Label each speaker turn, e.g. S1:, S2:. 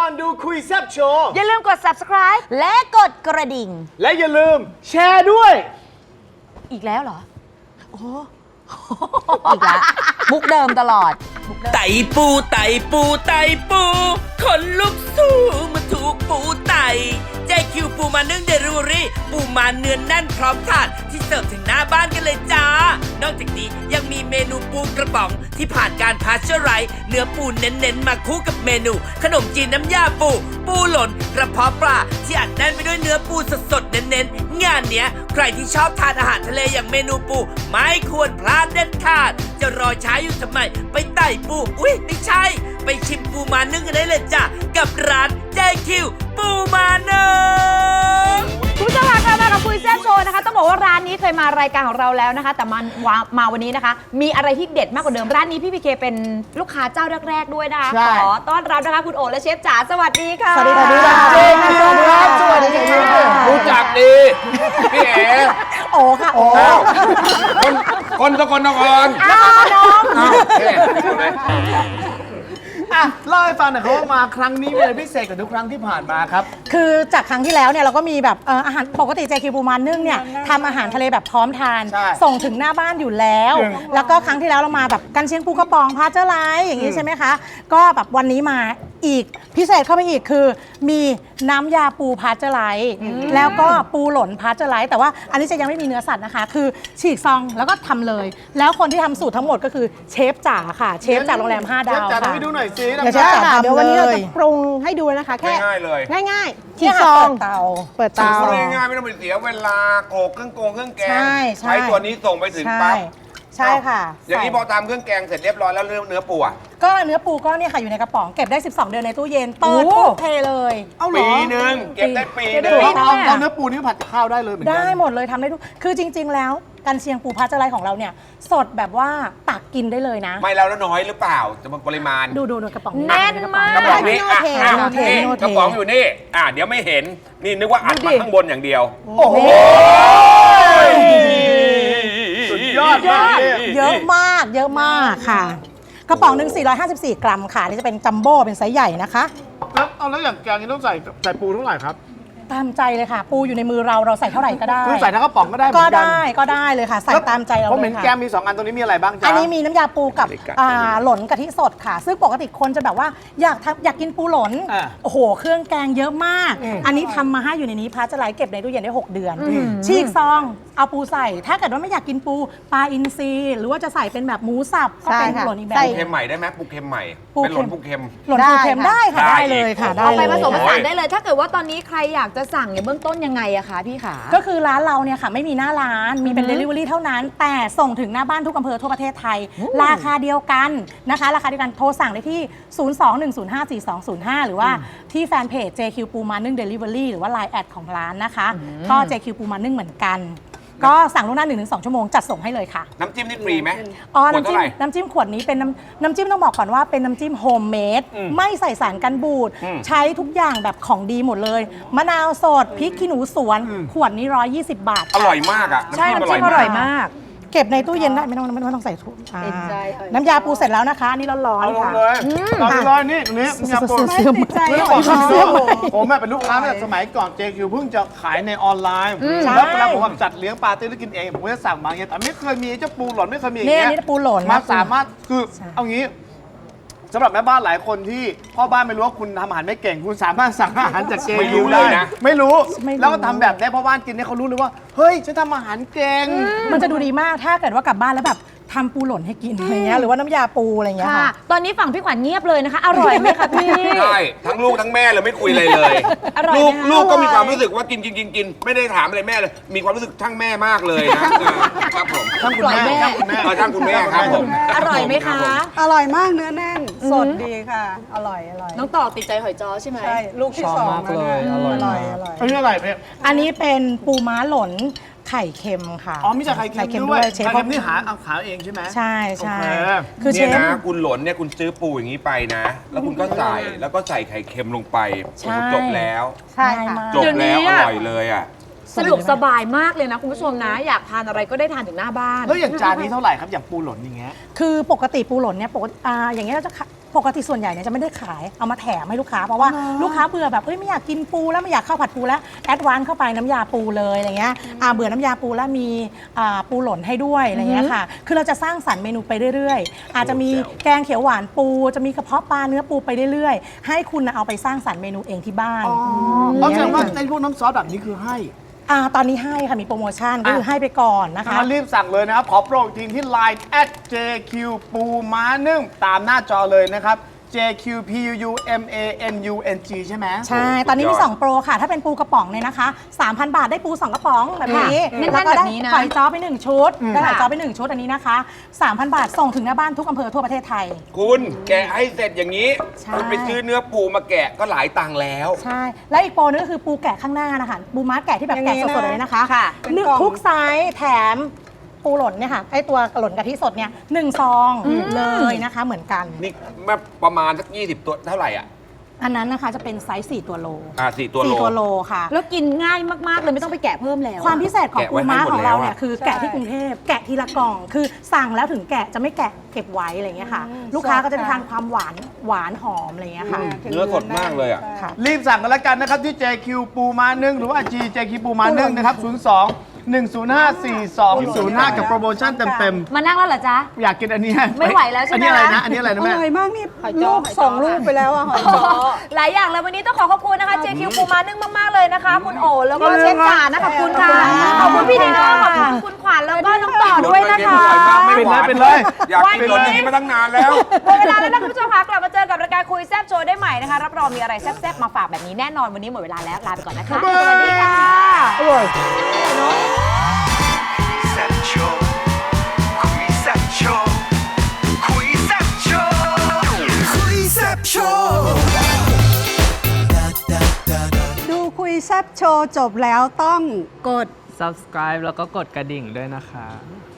S1: อนดูคุยแซ่บโชว์
S2: อย่าลืมกด subscribe และกดกระดิ่ง
S1: และอย่าลืมแชร์ด้วย
S2: อีกแล้วเหรอโอ้อีกแล้วมุกเดิมตลอด
S3: ไตปูไตปูไตปูคนลุกสู้มาถูกปูไตใจคิวปูมานึ่งเดลิเวอรี่ปูมาเนื้อแน่นพร้อมทานที่เสิร์ฟถึงหน้าบ้านกันเลยจ้านอกจากนี้ยังมีเมนูปูกระป๋องที่ผ่านการพาสเจอร์ไรส์เนื้อปูเน้นๆมาคู่กับเมนูขนมจีนน้ำยาปูปูหล่นกระเพาะปลาที่อัดแน่นไปด้วยเนื้อปูสดๆเน้นๆงานเนี้ยใครที่ชอบทานอาหารทะเลอย่างเมนูปูไม่ควรพลาดเด็ดขาดจะรอช้าอยู่ทำไมไปไต่ปูอุ๊ยไม่ใช่ไปชิมปูมานึ่งกันได้เลยจ้ะกับร้านเจคิวปูมานึ่ง
S2: คุณผู้ชมค่ะมากับคุยแซ่บโชว์นะคะต้องบอกว่าร้านนี้เคยมารายการของเราแล้วนะคะแต่มาวันนี้นะคะมีอะไรที่เด็ดมากกว่าเดิมร้านนี้พี่พีเคเป็นลูกค้าเจ้าแรกๆด้วยนะคะขอต้อนรับนะคะคุณโอและเชฟจ๋าสวัสดีค่ะ
S4: สวัสดีค่ะ
S1: สวัสดีครับสวัสดีครับรู้จักดีพี่เอ๋
S4: โอ้ค่ะโอ้
S1: คนสกลนคร
S2: น้อง
S1: เล่าให้ฟังหน่อยครับว่ามาครั้งนี้มีอะไรพิเศษกว่าทุกครั้งที่ผ่านมาครับ
S4: คือจากครั้งที่แล้วเนี่ยเราก็มีแบบอาหารปกติเจคิวปูมานึ่งเนี่ยทำอาหารทะเลแบบพร้อมทานส่งถึงหน้าบ้านอยู่แล้วแล้วก็ครั้งที่แล้วเรามาแบบกันเชียงปูกระป๋องพาเจอร์ไลท์อย่างนี้ใช่ไหมคะก็แบบวันนี้มาอีกพิเศษเข้าไปอีกคือมีน้ำยาปูพาเจอร์ไลท์แล้วก็ปูหล่นพาเจอร์ไลท์แต่ว่าอันนี้จะยังไม่มีเนื้อสัตว์นะคะคือฉีกซองแล้วก็ทำเลยแล้วคนที่ทำสูตรทั้งหมดก็คือเชฟจ๋าค่ะเชฟจากโรงแรม5 ดาวค่ะ
S1: ให้ดูหน่อยสิ
S4: เดี๋ยวเชฟจ๋าเดี๋ยววันนี้เราจะปรุงให้ดูนะคะแค่
S1: ง่ายเลย
S4: ง่ายๆฉีกซองเปิดเตา
S1: ง่ายไม่ต้องไปเสียเวลาโขลกเครื่องแกง
S4: ใช่
S1: ตัวนี้ส่งไปถึงปั๊บ
S4: ใช่ค่ะ
S1: อย่างนี้พอทำเครื่องแกงเสร็จเรียบร้อยแล้วเนื้อปูอ่ะ
S4: ก็เนื้อปูก็เนี่ยค่ะอยู่ในกระป๋องเก็บได้12 เดือนในตู้เย็นเปิดปุ๊บเทเลย
S1: ปีนึงเก็บได้ปีนึงเราเนื้อปูนี่ผัดข้าวได้เลยเหมือนกัน
S4: ได้หมดเลยทำได้ทุกคือจริง ๆ แล้วกันเชียงปูพาเจอร์ไลท์ของเราเนี่ยสดแบบว่าตักกินได้เลยนะ
S1: ไม่แล้วน้อยหรือเปล่าจะปริมาณ
S4: ดูกระป๋อง
S2: แน่นมาก
S1: กระป๋องนี้กระป๋องอยู่นี่เดี๋ยวไม่เห็นนี่นึกว่าอัดมาข้างบนอย่างเดียวโอ้โหสุดยอด
S4: เยอะมากค่ะกระป๋องหนึ่ง454 กรัมค่ะนี่จะเป็นจัมโบ้เป็นไซส์ใหญ่นะคะ
S1: แล้วอย่างแกงนี้ต้องใส่ปูเท่าไหร่ครับ
S4: ตามใจเลยค่ะปูอยู่ในมือเราใส่เท่าไหร่ก็ได้
S1: คือใส่ทั้งกระป๋องก็ได้
S4: ก็ได้เลยค่ะใส่ตามใจเราเลยค่ะ
S1: ผมเห็นแกงมี2 อันตรงนี้มีอะไรบ้างจ๊ะ
S4: อันนี้มีน้ำยาปูกับหล่นกะทิสดค่ะซึ่งปกติคนจะแบบว่าอยากกินปูหล่นโอ้โหเครื่องแกงเยอะมากอันนี้ทำมาให้อยู่ในนี้พาจะไหลเก็บในตู้เย็นได้6 เดือนฉีกซองเอาปูใส่ถ้าเกิดว่าไม่อยากกินปูปลาอินทรีหรือว่าจะใส่เป็นแบบหมูสับก็เป็นหล่นอีกแบบ
S1: ปูเค็มใหม่ได้ไหมปูเค็มใหม่เป็นหล่นปูเค็ม
S4: หล่นปูเค็มได้ค่ะได้เลยค่ะ
S2: เอาไปผสมผสานได้เลยถ้าเกิดว่าตอนนี้ใครอยากจะสั่งเนี่ยเบื้องต้นยังไงอะคะพี่ขา
S4: ก็คือร้านเราเนี่ยค่ะไม่มีหน้าร้านมีเป็น Delivery เท่านั้นแต่ส่งถึงหน้าบ้านทุกอำเภอทั่วประเทศไทยราคาเดียวกันนะคะราคาเดียวกันโทรสั่งได้ที่ 021054205 หรือว่าที่แฟนเพจ JQ ปูมานึ่ง Delivery หรือว่า Line แอดของร้านนะคะก็ JQ ปูมานึ่งเหมือนกันก็สั่งล่วงหน้า 1-2 ชั่วโมงจัดส่งให้เลยค่ะ
S1: น้ำจิ้มนี่ฟรีไหม
S4: น้ำจิ้มขวดนี้เป็นน้ำจิ้มต้องบอกก่อนว่าเป็นน้ำจิ้มโฮมเมดไม่ใส่สารกันบูดใช้ทุกอย่างแบบของดีหมดเลยมะนาวสดพริกขี้หนูสวนขวดนี้120 บาท
S1: อร่อยมากอ่ะ
S2: ใช่น้ำจิ้มอร่อยมาก
S4: เก็บในตู้เย็นได้ไม่ต้องใส่ถุงน้ำยาปูเสร็จแล้วนะคะนี่ร้อนๆค่ะ
S1: ร้อนๆนี่น้ำยาปู
S4: เสื่อม
S1: ผมเป็นลูกค้าตั้งแต่สมัยก่อน JQ เพิ่งจะขายในออนไลน์แล้วเวลาผมจัดเลี้ยงปาร์ตี้แล้วกินเองผมจะสั่งมาอย่างเงี้ยแต่ไม่เคยมีเจ้าปูหล่นไม่เคยมีอย่างเงี้ย
S4: นี่ปูหล่น
S1: มาสามารถคือเอางี้สำหรับแม่บ้านหลายคนที่พ่อบ้านไม่รู้ว่าคุณทำอาหารไม่เก่งคุณสามารถสั่งอาหารจากเจคิวได้นะไม่รู้แล้วก็ทำแบบนี้พ่อบ้านกินเนี่ยเขารู้เลยว่าเฮ้ยฉันทำอาหารเก่ง
S4: มันจะดูดีมากถ้าเกิดว่ากลับบ้านแล้วแบบทำปูหล่นให้กินอะไรเงี้ยหรือว่าน้ำยาปูอะไรเงี้ยค่ะ
S2: ตอนนี้ฝั่งพี่ขวัญเงียบเลยนะคะอร่อยไหมคะพี่
S1: ใช่ทั้งลูกทั้งแม่เลยไม่คุยอะไรเลยลูกก็มีความรู้สึกว่ากินไม่ได้ถามอะไรแม่เลยมีความรู้สึกทั้งแม่มากเลยนะครับผม
S2: ทั้งคุณแม่
S1: ทั้งคุณแม่ครับผม
S2: อร่อยไหมคะ
S4: อร่อยมากเนื้อแน่นสดดีค่ะอร่อย
S2: น้องต่อติดใจหอยจ้อใช่ไหม
S4: ใช่ลูกที่2เลยอร่อย
S1: อันนี้อะไรเนี่ย
S4: อันนี้เป็นปูม้าหล่นไข่เค็มค่ะ
S1: มีจากไข่เค็มด้วยเชฟนี่หาเองใช่ไหม
S4: ใช่
S1: คือเชฟนะคุณหล่นเนี่ยคุณซื้อปูอย่างนี้ไปนะแล้วคุณก็ใส่ไข่เค็มลงไปจบแล้ว
S4: ใช่
S1: จบแล้วอร่อยเลยอ่ะ
S2: สะดวกสบายมากเลยนะคุณผู้ชมนะอยากทานอะไรก็ได้ทานถึงหน้าบ้าน
S1: แล้วอย่างจานนี้เท่าไหร่ครับอย่างปูหล่นอย่างเงี้ย
S4: คือปกติปูหล่นเนี่ยปกติอย่างเงี้ยเราจะปกติส่วนใหญ่เนี่ยจะไม่ได้ขายเอามาแถมให้ลูกค้าเพราะว่าลูกค้าเบื่อแบบไม่อยากกินปูแล้วไม่อยากข้าวผัดปูแล้วแอดวานซ์เข้าไปน้ำยาปูเลยอะไรเงี้ยเบื่อน้ำยาปูแล้วมีปูหล่นให้ด้วยอะไรเงี้ยค่ะคือเราจะสร้างสรรค์เมนูไปเรื่อยๆอาจจะมีแกงเขียวหวานปูจะมีกระเพาะปลาเนื้อปูไปเรื่อยๆให้คุณเอาไปสร้างสรรค์เมนูเองที่บ้าน
S1: เอาแสดงว่าในพวกน้ำซอสแบบนี้คือให้
S4: ตอนนี้ให้ค่ะมีโปรโมชั่นก็คือให้ไปก่อนนะคะ
S1: รีบสั่งเลยนะครับ ขอโปรอีกทีที่ Line @JQ ปูม้านึ่งตามหน้าจอเลยนะครับ JQPUMANUNG ใช่ไหม
S4: ใช่ ตอนนี้มี 2 โปรค่ะ ถ้าเป็นปูกระป๋องเนี่ยนะคะ 3,000 บาทได้ปู 2 กระป๋องแบบนี้
S2: แน่นๆ
S4: แล้วก็
S2: แบ
S4: ได้
S2: บนี้นะ
S4: หอยจ้อไป 1 ชุด ได้หอยจ้อไป 1 ชุดอันนี้นะคะ 3,000 บาทส่งถึงหน้าบ้านทุกอำเภอทั่วประเทศไทย
S5: คุณแกะให้เสร็จอย่างนี้
S4: ใช่
S5: คุณไปซื้อเนื้อปูมาแกะก็หลายตังค์แล้ว
S4: ใช่ และอีกโปรนึงก็คือปูแกะข้างหน้านะคะ ปูม้าแกะที่แบบแกะสดๆเลยนะคะ
S2: ค่ะ
S4: ทุกไซส์แถมปูหล่นเนี่ยค่ะ ไอตัวหล่นกะทิสดเนี่ย1 ซองเลยนะคะ เหมือนกัน
S5: นี่มาประมาณสัก20 ตัวเท่าไหร่อ่ะ
S4: อันนั้นนะคะจะเป็นไซส์4 ตัวโล
S5: 4 ตัวโล
S4: 4 ตัวโลค่ะ
S2: แล้วกินง่ายมากๆเลยไม่ต้องไปแกะเพิ่มแล้ว
S4: ความพิเศษของ
S5: แกะ
S4: ปู
S5: ไว้ให้
S4: ม้า
S5: หมด
S4: ของเรา
S5: แล้วอะ
S4: เนี่ยคือแกะที่กรุงเทพแกะทีละกล่อง คือสั่งแล้วถึงแกะจะไม่แกะเก็บไว้อะไรเงี้ยค่ะ ลูกค้าก็จะได้ทานความหวานหอมอะไรเงี้ยค่ะ
S5: เนื้อสดมากเลยอ่ะ
S4: ค่ะ
S1: รีบสั่งกันแล้วกันนะครับ ที่ JQ ปูม้านึ่งหรือว่า JQ ปูม้านึ่งนะครับ 02 1054205 กับโปรโมชั่นเต็ม
S2: มานั่งแล้วเหรอจ๊ะ
S1: ๆ อยากกินอันนี้
S2: ไม่ไหวแล้วใช่ไหม
S1: อันนี้อะไร
S2: คะ
S1: นะ อันนี้อะไรนะแม่
S6: อร่อยมากนี่ลูกส่งลูกไปแล้วอะหอยจ้อ
S2: หลายอย่างเลยวันนี้ต้องขอขอบคุณนะคะ JQ ปูม้านึ่งมากๆเลยนะคะ คุณโอแล้วก็เชฟจ๋านะขอบคุณค่ะขอบคุณพี่ดิโน่ขอบคุณคุณขวัญแล้วก็น้องต่อด้วยนะคะ
S5: อร่อยมากไม่หวาน
S1: เป็นเลย
S5: อยากกินรสนี้มาตั้งนานแล้ว
S2: หมดเวลาแล้วนะคุณผู้ชมคะกลับมาเจอกับรายการคุยแซ่บโชว์ได้ใหม่นะคะรับรองมีอะไรแซ่บๆมาฝากแบบนี้แน่นอนวันนี้หมดเวลาแล้วลาไปก่อนนะคะสวัสดีค่ะ
S7: แซ่บโชว์คุยแซ่บโชว์คุยแซ่บโชว์คุยแซ่บโชว์
S6: ดูคุยแซบโชว์จบแล้วต้องกด
S8: subscribe แล้วก็กดกระดิ่งด้วยนะคะ